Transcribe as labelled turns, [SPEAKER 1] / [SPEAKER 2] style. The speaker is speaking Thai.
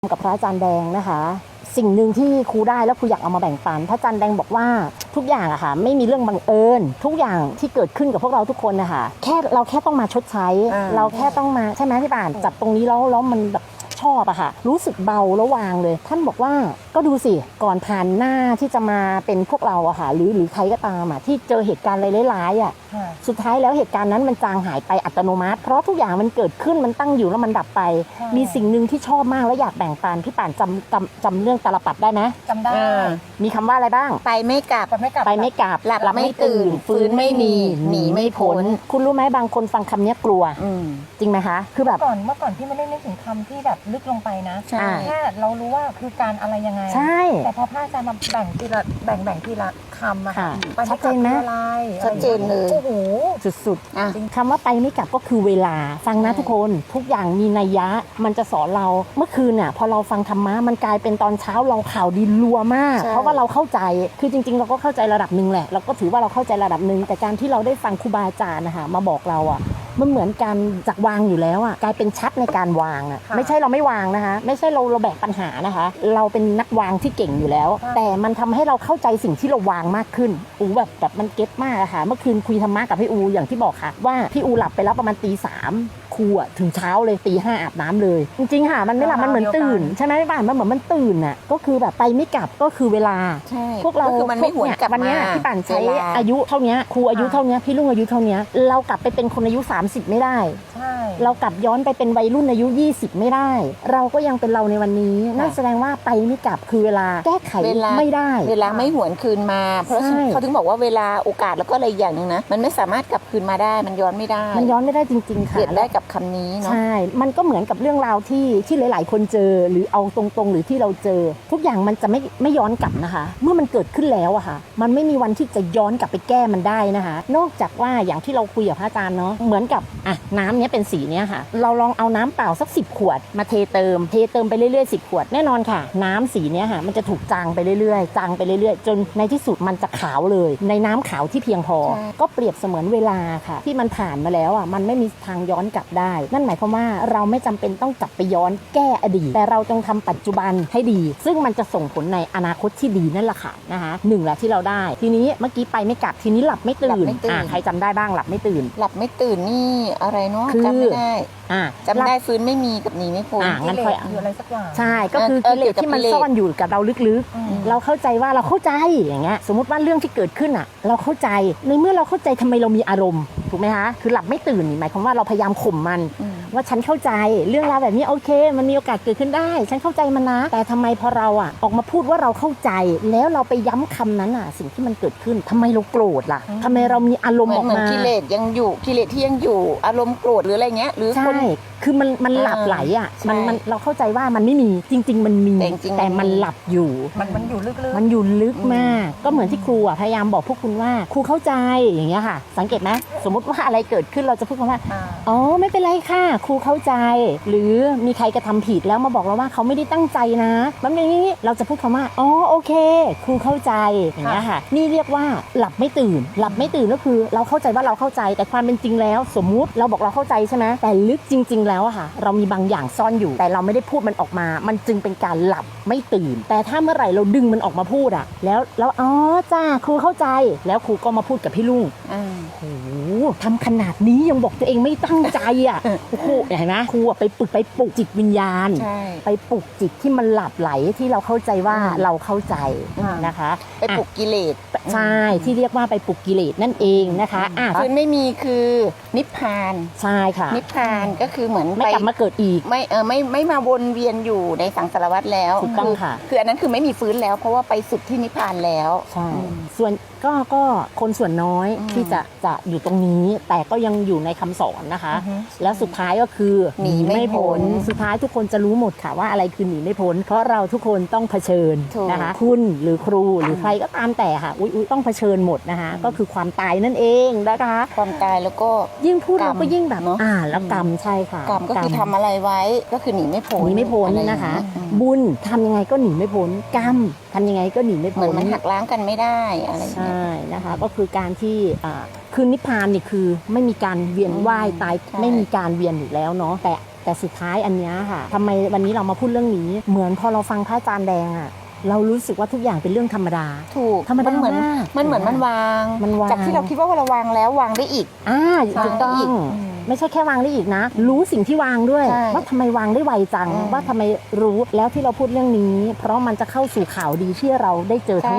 [SPEAKER 1] กับพระอาจารย์แดงนะคะสิ่งหนึ่งที่ครูได้แล้วครูอยากเอามาแบ่งปันพระอาจารย์แดงบอกว่าทุกอย่างอะค่ะไม่มีเรื่องบังเอิญทุกอย่างที่เกิดขึ้นกับพวกเราทุกคนนะคะเราแค่ต้องมาชดใช้เราแค่ต้องมาใช่ไหมพี่ป่านจับตรงนี้แล้วมันแบบชอบอะค่ะรู้สึกเบาแล้ววางเลยท่านบอกว่าก็ดูสิก่อนผ่านหน้าที่จะมาเป็นพวกเราอะค่ะหรือใครก็ตามอะที่เจอเหตุการณ์อะไรร้ายๆอะสุดท้ายแล้วเหตุการณ์นั้นมันจางหายไปอัตโนมัติเพราะทุกอย่างมันเกิดขึ้นมันตั้งอยู่แล้วมันดับไปมีสิ่งหนึ่งที่ชอบมากแล้วอยากแบ่งปันพี่ป่านจำเรื่องตาลปัดได้ไหม
[SPEAKER 2] จำได้
[SPEAKER 1] มีคำว่าอะไรบ้าง
[SPEAKER 3] ไปไม่กลับ
[SPEAKER 1] ไปไม่กลับ
[SPEAKER 3] หลับไม่ตื่นฟื้นไม่มีหนีไม่พ้น
[SPEAKER 1] คุณรู้ไหมบางคนฟังคำนี้กลัวจริงไหมคะคือแบบ
[SPEAKER 2] เมื่อก่อนพี่ไม่ได้นึกถึงคำที่แบบลึกลงไปนะแค่เรารู้ว่าคือการอะไรยังไง
[SPEAKER 1] ใช่
[SPEAKER 2] แต่พอพระอาจารย์มาแบ่งทีละคำอะค่ะ
[SPEAKER 1] ชัดเจนไหม
[SPEAKER 3] ชัดเจนเลย
[SPEAKER 2] โอ้โห
[SPEAKER 1] สุดๆคำว่าไปไม่กลับก็คือเวลาฟังนะทุกคนทุกอย่างมีนัยยะมันจะสอนเราเมื่อคืนน่ะพอเราฟังธรรมะมันกลายเป็นตอนเช้าเราข่าวดีรัวมากเพราะว่าเราเข้าใจคือจริงๆเราก็เข้าใจระดับหนึ่งแหละเราก็ถือว่าเราเข้าใจระดับหนึ่งแต่การที่เราได้ฟังครูบาอาจารย์นะคะมาบอกเราอ่ะมันเหมือนการจากวางอยู่แล้วอ่ะกลายเป็นชัดในการวางอ่ะไม่ใช่เราไม่วางนะคะไม่ใช่เราแบกปัญหานะคะเราเป็นนักวางที่เก่งอยู่แล้วแต่มันทำให้เราเข้าใจสิ่งที่เราวางมากขึ้นแบบมันเก็ตมากอะค่ะเมื่อคืนคุยธรรมะกับพี่อูอย่างที่บอกค่ะว่าพี่อูหลับไปแล้วประมาณตี 3ครูอะถึงเช้าเลยตี 5อาบน้ำเลยจริงๆค่ะมันไม่หลับมันเหมือนตื่นใช่ไหมพี่ป่านมันเหมือนมันตื่นอ่ะก็คือแบบไปไม่กลับก็คือเวลาพวกเรา
[SPEAKER 3] คือมันไม่หวนกลับ
[SPEAKER 1] วันนี้พี่ป่านใช้อายุเท่านี้ครูอายุเท่านี้พี่ลุงอายุเท่านี้เรากลับไปเป็นคนอายุ30ไม่ได้เรากลับย้อนไปเป็นวัยรุ่นอายุ20ไม่ได้เราก็ยังเป็นเราในวันนี้นั่นแสดงว่าไปไม่กลับคือเวลาแก้ไขไม่ได้
[SPEAKER 3] เวลาไม่หวนคืนมาเพราะเขาถึงบอกว่าเวลาโอกาสแล้วก็อะไรอย่างนึงนะมันไม่สามารถกลับคืนมาได้มันย้อนไม่ได้
[SPEAKER 1] จริงๆค่ะ
[SPEAKER 3] เกิดได้กับคำนี้เนาะ
[SPEAKER 1] ใช่มันก็เหมือนกับเรื่องราวที่หลายๆคนเจอหรือเอาตรงๆหรือที่เราเจอทุกอย่างมันจะไม่ย้อนกลับนะคะเมื่อมันเกิดขึ้นแล้วอะค่ะมันไม่มีวันที่จะย้อนกลับไปแก้มันได้นะคะนอกจากว่าอย่างที่เราคุยกับพระอาจารย์เนาะเหมือนกับน้ำเนี้ยเป็นสีเนี้ยค่ะเราลองเอาน้ำเปล่าสัก10ขวดมาเทเติมไปเรื่อยๆ10ขวดแน่นอนค่ะน้ำสีเนี้ยค่ะมันจะถูกจางไปเรื่อยๆจนในที่สุดมันจะขาวเลยในน้ำขาวที่เพียงพอก็เปรียบเสมือนเวลาค่ะที่มันผ่านมาแล้วอะมันไม่มีทางย้อนกลับได้นั่นหมายความว่าเราไม่จำเป็นต้องกลับไปย้อนแก้อดีตแต่เราจงทำปัจจุบันให้ดีซึ่งมันจะส่งผลในอนาคตที่ดีนั่นแหละค่ะนะคะหนึ่งแหละที่เราได้ทีนี้เมื่อกี้ไปไม่กลับทีนี้หลับไม่ตื่นใครจำได้บ้างหลับไม่ตื่น
[SPEAKER 3] นี่อะไรเนาะจำไม่ได้จำได้ฟื้นไม่มีกับหนีไม่พ้น
[SPEAKER 1] งั้นค่อย
[SPEAKER 2] อะไรสักอย่าง
[SPEAKER 1] ใช่ก็คือกิเลสที่มันซ่อนอยู่กับเราลึกๆเราเข้าใจว่าเราเข้าใจอย่างเงี้ยสมมติว่าเรื่องที่เกิดขึ้นเราเข้าใจในเมื่อเราเข้าใจทำไมเรามีอารมณ์ถูกไหมคะคือหลับไม่ตื่นหมายความว่าเราพยายามข่มมันว่าฉันเข้าใจเรื่องราวแบบนี้โอเคมันมีโอกาสเกิดขึ้นได้ฉันเข้าใจมันนะแต่ทำไมพอเราออกมาพูดว่าเราเข้าใจแล้วเราไปย้ำคำนั้นสิ่งที่มันเกิดขึ้นทำไมเราโกรธล่ะทำไมเรามีอารมณ์ออกมา
[SPEAKER 3] กิเลสยังอยู่กิเลสที่ยังอยู่อารมณ์โกรธหรืออะไรเงี้ยหรือ
[SPEAKER 1] ใช่คือมันหลับไหลมันเราเข้าใจว่ามันไม่มีจริงๆมันมีแต่มันหลับอยู่
[SPEAKER 2] มันอยู่ลึก
[SPEAKER 1] มันอยู่ลึกมากก็เหมือนที่ครูพยายามบอกพวกคุณว่าครูเข้าใจอย่างเงี้ยค่ะสังเกตไหมสมมติว่าอะไรเกิดขึ้นเราจะพูดคำว่าอ๋อไม่เป็นไรค่ะครูเข้าใจหรือมีใครกระทำผิดแล้วมาบอกเราว่าเขาไม่ได้ตั้งใจนะมันเป็นอย่างนี้เราจะพูดคำว่าอ๋อโอเคครูเข้าใจอย่างเงี้ยค่ะนี่เรียกว่าหลับไม่ตื่นก็คือเราเข้าใจว่าเราเข้าใจแต่ความเป็นจริงแล้วสมมุติเราบอกเราเข้าใจใช่ไหมแต่ลึกจริงๆแล้วค่ะเรามีบางอย่างซ่อนอยู่แต่เราไม่ได้พูดมันออกมามันจึงเป็นการหลับไม่ตื่นแต่ถ้าเมื่อไหร่เราดึงมันออกมาพูดแล้วอ๋อจ้าครูเข้าใจแล้วครูก็มาพูดกับพี่ลุงโอ้โหทำขนาดนี้ยังบอกตัวเองไม่ตั้งใจโอ้โหเห็นไหมครูไปปลุกจิตวิญญาณไปปลุกจิตที่มันหลับไหลที่เราเข้าใจว่าเราเข้าใจนะคะ
[SPEAKER 3] ไปปลุกกิเลส
[SPEAKER 1] ใช่ที่เรียกว่าไปปลุกกิเลสนั่นเองนะคะ
[SPEAKER 3] คือไม่มีคือนิพพาน
[SPEAKER 1] ใช่ค่ะ
[SPEAKER 3] นิพพานก็คือเหมือน
[SPEAKER 1] ไม่กลับมาเกิดอีก
[SPEAKER 3] ไม่มาวนเวียนอยู่ในสังสารวัฏแล้ว
[SPEAKER 1] ถูกต้องค่ะ
[SPEAKER 3] คืออันนั้นคือไม่มีฟื้นแล้วเพราะว่าไปสุดที่นิพพานแล้ว
[SPEAKER 1] ใช่ส่วนก็คนส่วนน้อยที่จะอยู่ตรงนี้แต่ก็ยังอยู่ในคำสอนนะคะแล้วสุดท้ายก็คือหนีไม่พ้นสุดท้ายทุกคนจะรู้หมดค่ะว่าอะไรคือหนีไม่พ้นเพราะเราทุกคนต้องเผชิญนะคะคุณหรือครูหรือใครก็ตามแต่ค่ะต้องเผชิญหมดนะคะก็คือความตายนั่นเองนะคะ
[SPEAKER 3] ความตายแล้วก็
[SPEAKER 1] ยิ่งพูดเราก็ยิ่งแบบแล้วกรรมใช่ค่ะ
[SPEAKER 3] กรรมก็คือทำอะไรไว้ก็คือหนีไม่พ้น
[SPEAKER 1] นะคะบุญทำยังไงก็หนีไม่พ้นกรรมทำยังไงก็หนีไม่พ้น
[SPEAKER 3] มันหักล้างกันไม่ได้อะไร
[SPEAKER 1] ใช่นะคะก็คือการที่คือนิพพานนี่คือไม่มีการเวียนว่ายตายไม่มีการเวียนอยู่แล้วเนาะแต่แต่สุดท้ายอันเนี้ยค่ะทำไมวันนี้เรามาพูดเรื่องนี้เหมือนพอเราฟังพระอาจารย์แดงอะเรารู้สึกว่าทุกอย่างเป็นเรื่องธรรมดา
[SPEAKER 3] ถูก
[SPEAKER 1] ธรรมดา
[SPEAKER 3] เหมือน
[SPEAKER 1] มาก
[SPEAKER 3] มันวาง
[SPEAKER 1] มันวาง
[SPEAKER 3] จากที่เราคิดว่าเราวางแล้ววางได้อีก
[SPEAKER 1] ถูกต้อง
[SPEAKER 3] อีก
[SPEAKER 1] ไม่ใช่แค่วางได้อีกนะ รู้สิ่งที่วางด้วย
[SPEAKER 3] ใช่
[SPEAKER 1] ว่าทำไมวางได้ไวจัง ว่าทำไมรู้แล้วที่เราพูดเรื่องนี้ เพราะมันจะเข้าสู่ข่าวดีที่เราได้เจอทั้ง